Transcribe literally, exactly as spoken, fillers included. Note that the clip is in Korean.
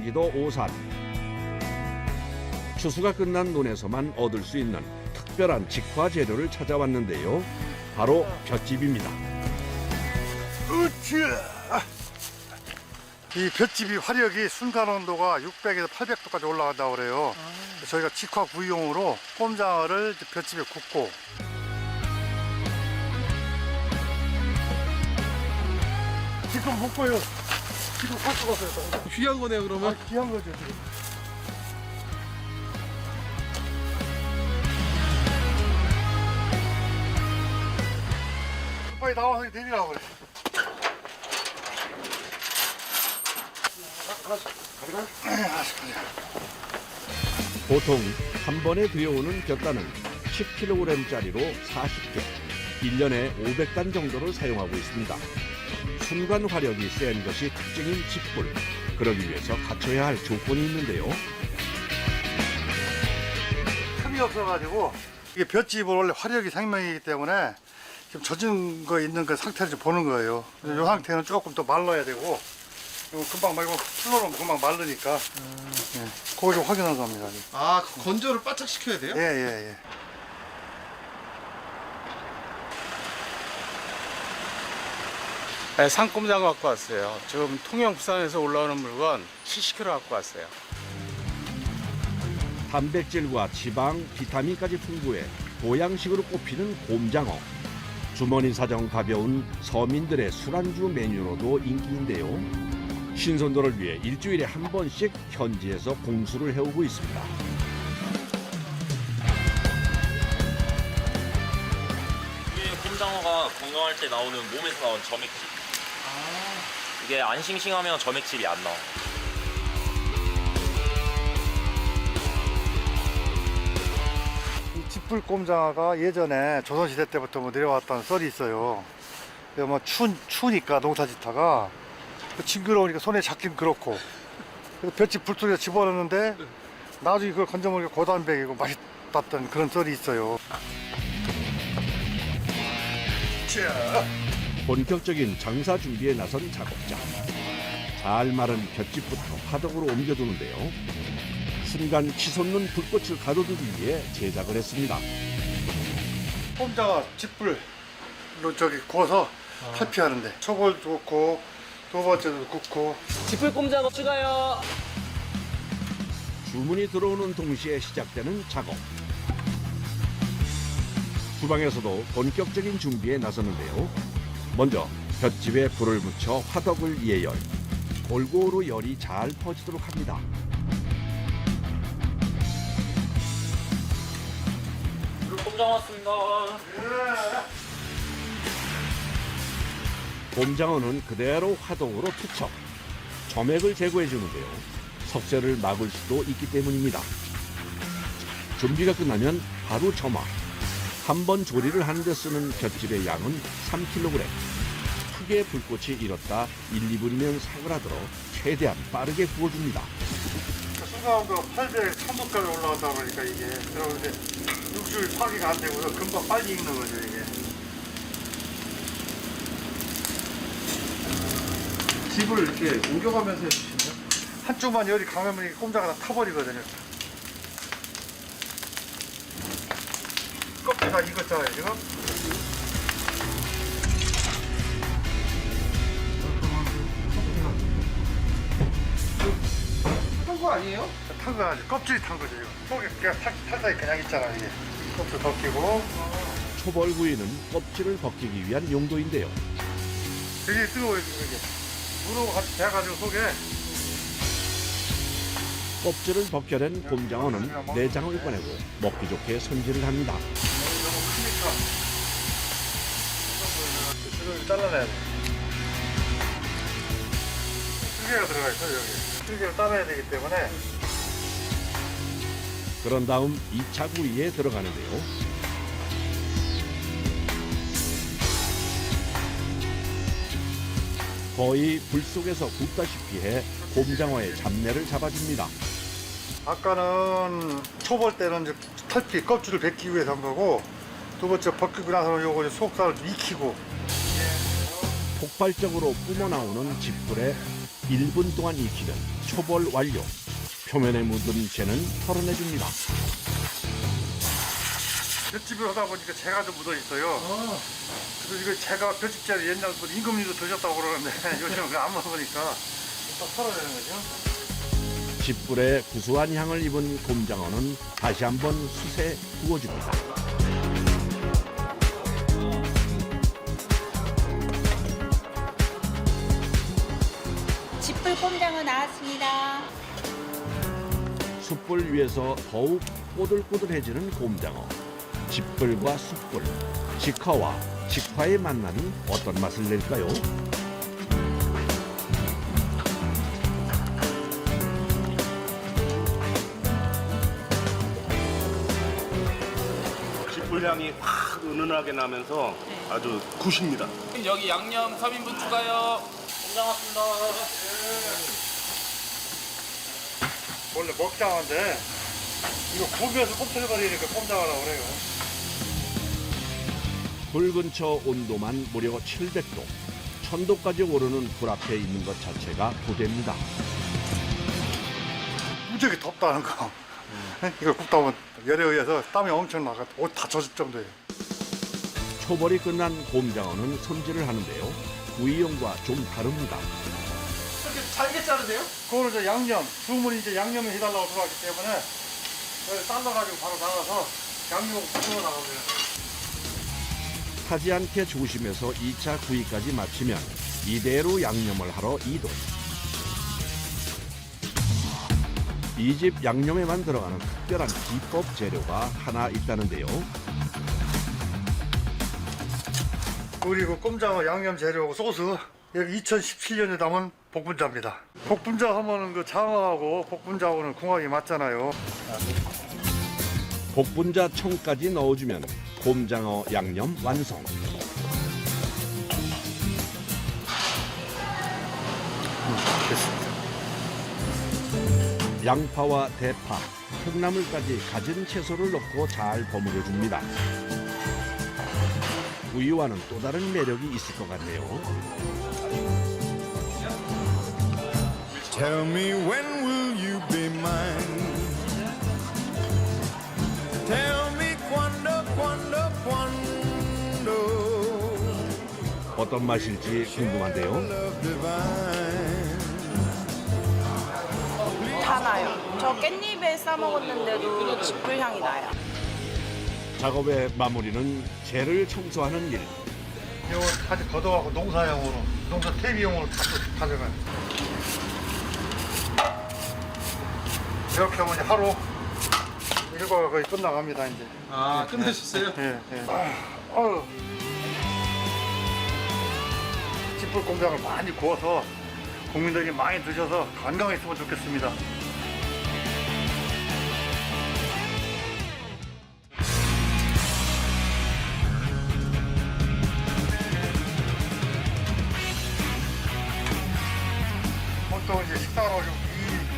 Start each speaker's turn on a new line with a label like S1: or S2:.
S1: 경기도 오산. 추수가 끝난 논에서만 얻을 수 있는 특별한 직화 재료를 찾아왔는데요. 바로 볏짚입니다.
S2: 으쌰! 이 볏짚이 화력이 순간 온도가 육백에서 팔백 도까지 올라간다고 그래요. 아. 저희가 직화 구이용으로 꼼장어를 볏짚에 굽고. 지금 못 보여. 지금 할 수가 없어요.
S3: 귀한 거네요, 그러면?
S2: 아, 귀한 거죠, 지금. 빨리 나와서 내리라고 그래.
S1: 보통 한 번에 들여오는 곁단은 십 킬로그램짜리로 사십 개, 일 년에 오백 단 정도를 사용하고 있습니다. 순간 화력이 센 것이 특징인 짚불. 그러기 위해서 갖춰야 할 조건이 있는데요.
S2: 틈이 없어가지고 이게 볏짚은 원래 화력이 생명이기 때문에 지금 젖은 거 있는 그 상태를 좀 보는 거예요. 이 상태는 조금 더 말라야 되고 이거 금방 말고 풀러놓으면 금방 마르니까 음. 예, 그거 좀 확인하는 겁니다.
S3: 아, 그 건조를 바짝 시켜야 돼요?
S2: 예, 예, 예.
S4: 네, 상꼼장어 갖고 왔어요. 지금 통영 부산에서 올라오는 물건 칠십 킬로그램 갖고 왔어요.
S1: 단백질과 지방, 비타민까지 풍부해 보양식으로 꼽히는 곰장어. 주머니 사정 가벼운 서민들의 술안주 메뉴로도 인기인데요. 신선도를 위해 일주일에 한 번씩 현지에서 공수를 해오고 있습니다.
S5: 이게 곰장어가 건강할 때 나오는 몸에서 나온 점액질. 이게 안 싱싱하면 점액질이 안 나와.
S2: 이 짚불 꼼장어가 예전에 조선시대 때부터 뭐 내려왔다는 썰이 있어요. 뭐 추, 추우니까 농사 짓다가 징그러우니까 손에 잡긴 그렇고 그래서 볏짚 불속에 집어넣는데 나중에 그걸 건져 먹으니까 고단백이고 맛있었던 그런 썰이 있어요. 자.
S1: 본격적인 장사 준비에 나선 작업자. 잘 마른 볏짚부터 화덕으로 옮겨두는데요. 순간 치솟는 불꽃을 가둬두기 위해 제작을 했습니다.
S2: 꼼장어 짚불로 저기 구워서 탈피하는데 초벌도 굽고 두 번째도 굽고.
S6: 짚불 꼼장어 추가요.
S1: 주문이 들어오는 동시에 시작되는 작업. 주방에서도 본격적인 준비에 나섰는데요. 먼저 볏짚에 불을 붙여 화덕을 예열. 골고루 열이 잘 퍼지도록 합니다.
S5: 곰장어 왔습니다.
S1: 곰장어는 그대로 화덕으로 투척. 점액을 제거해 주는데요. 석쇠를 막을 수도 있기 때문입니다. 준비가 끝나면 바로 점화. 한 번 조리를 하는데 쓰는 볏짚의 양은 삼 킬로그램. 크게 불꽃이 일었다 일, 이 분이면 사그라들어 최대한 빠르게 구워줍니다.
S2: 순간온도 팔백, 천도까지 올라간다 그러니까 이게 그러는데 육수를 파기가 안 되고서 금방 빨리 익는 거죠 이게.
S3: 집을 이렇게 옮겨가면서 해주시나요?
S2: 한쪽만 열이 강하면 이게 꼼장어가 다 타버리거든요. 껍질 다 익었잖아요 지금.
S3: 탄 거 아니에요?
S2: 탄 거 아니지 껍질이 탄 거죠 이거. 속에 그냥 살, 살살이 그냥 있잖아 이게. 껍질 벗기고.
S1: 초벌구이는 껍질을 벗기기 위한 용도인데요.
S2: 되게 뜨거워요 지금 이게. 물하고 같이 돼가지고 속에.
S1: 껍질을 벗겨낸 곰장어는 내장을 꺼내고 먹기 좋게 손질을 합니다.
S2: 너무 크니까. 이걸 잘라내야 돼. 쓸개가 들어가 있어 여기. 쓸개를 따내야 되기 때문에.
S1: 그런 다음 이 차 구이에 들어가는데요. 거의 불 속에서 굽다시피 해 곰장어의 잡내를 잡아줍니다.
S2: 아까는 초벌 때는 이제 탈피 껍질을 벗기기 위해서 한 거고 두 번째 벗기고 나서는 요거 이제 속살을 익히고.
S1: 폭발적으로 뿜어나오는 짚불에 일 분 동안 익히면 초벌 완료. 표면에 묻은 재는 털어내줍니다.
S2: 볏집을 하다 보니까 재가 좀 묻어 있어요. 그래서 이거 재가 볏집재를 옛날 뭐 임금님도 드셨다고 그러는데 요즘은 그거 안 먹으니까 딱 털어내는 거죠.
S1: 집불에 구수한 향을 입은 곰장어는 다시 한번 숯에 구워줍니다.
S7: 집불 꼼장어 나왔습니다.
S1: 숯불 위에서 더욱 꼬들꼬들해지는 곰장어. 집불과 숯불, 직화와 직화의 만남이 어떤 맛을 낼까요?
S8: 숯불향이 확 은은하게 나면서 아주 굿입니다.
S6: 여기 양념 삼 인분 추가요.
S2: 원래 먹장어인데 이거 구비해서 꼼틀거리니까 꼼장어라고 그래요.
S1: 불 근처 온도만 무려 칠백 도. 천 도까지 오르는 불 앞에 있는 것 자체가 부대입니다.
S2: 무지하게 덥다는 거. 이걸 굽다 보면 열에 의해서 땀이 엄청 나가 옷 다 젖을 정도예요.
S1: 초벌이 끝난 곰장어는 손질을 하는데요. 구이용과 좀 다릅니다.
S3: 이렇게 잘게 자르세요?
S2: 그거는 이제 양념, 주문이 이제 양념을 해달라고 들어왔기 때문에 여기 삶아가지고 바로 나가서 양념을 부어 나가면 돼요.
S1: 타지 않게 조심해서 이 차 구이까지 마치면 이대로 양념을 하러 이동. 이 집 양념에만 들어가는 특별한 비법 재료가 하나 있다는데요.
S2: 그리고 꼼장어 양념 재료하고 소스 여기 이천십칠 년에 담은 복분자입니다. 복분자 하면은 그 장어하고 복분자하고는 궁합이 맞잖아요.
S1: 복분자 청까지 넣어주면 곰장어 양념 완성.
S2: 됐습니다.
S1: 양파와 대파, 콩나물까지 가진 채소를 넣고 잘 버무려 줍니다. 구이와는 또 다른 매력이 있을 것 같네요.
S9: Tell me when will you be mine? Tell me cuando, cuando, cuando.
S1: 어떤 맛일지 궁금한데요.
S9: Love divine.
S10: 다 나요. 저 깻잎에 싸 먹었는데도 집불 향이 나요.
S1: 작업의 마무리는 재를 청소하는 일.
S2: 이거 다시 걷어가고 농사용으로, 농사 퇴비용으로 다 가져가요. 이렇게 하면 이제 하루 일과가 거의 끝나갑니다 이제.
S3: 아, 끝내셨어요?
S2: 예, 예. 아유. 집불 꼼장을 많이 구워서 국민들이 많이 드셔서 건강했으면 좋겠습니다. 보통 이제 식당을 오시면 이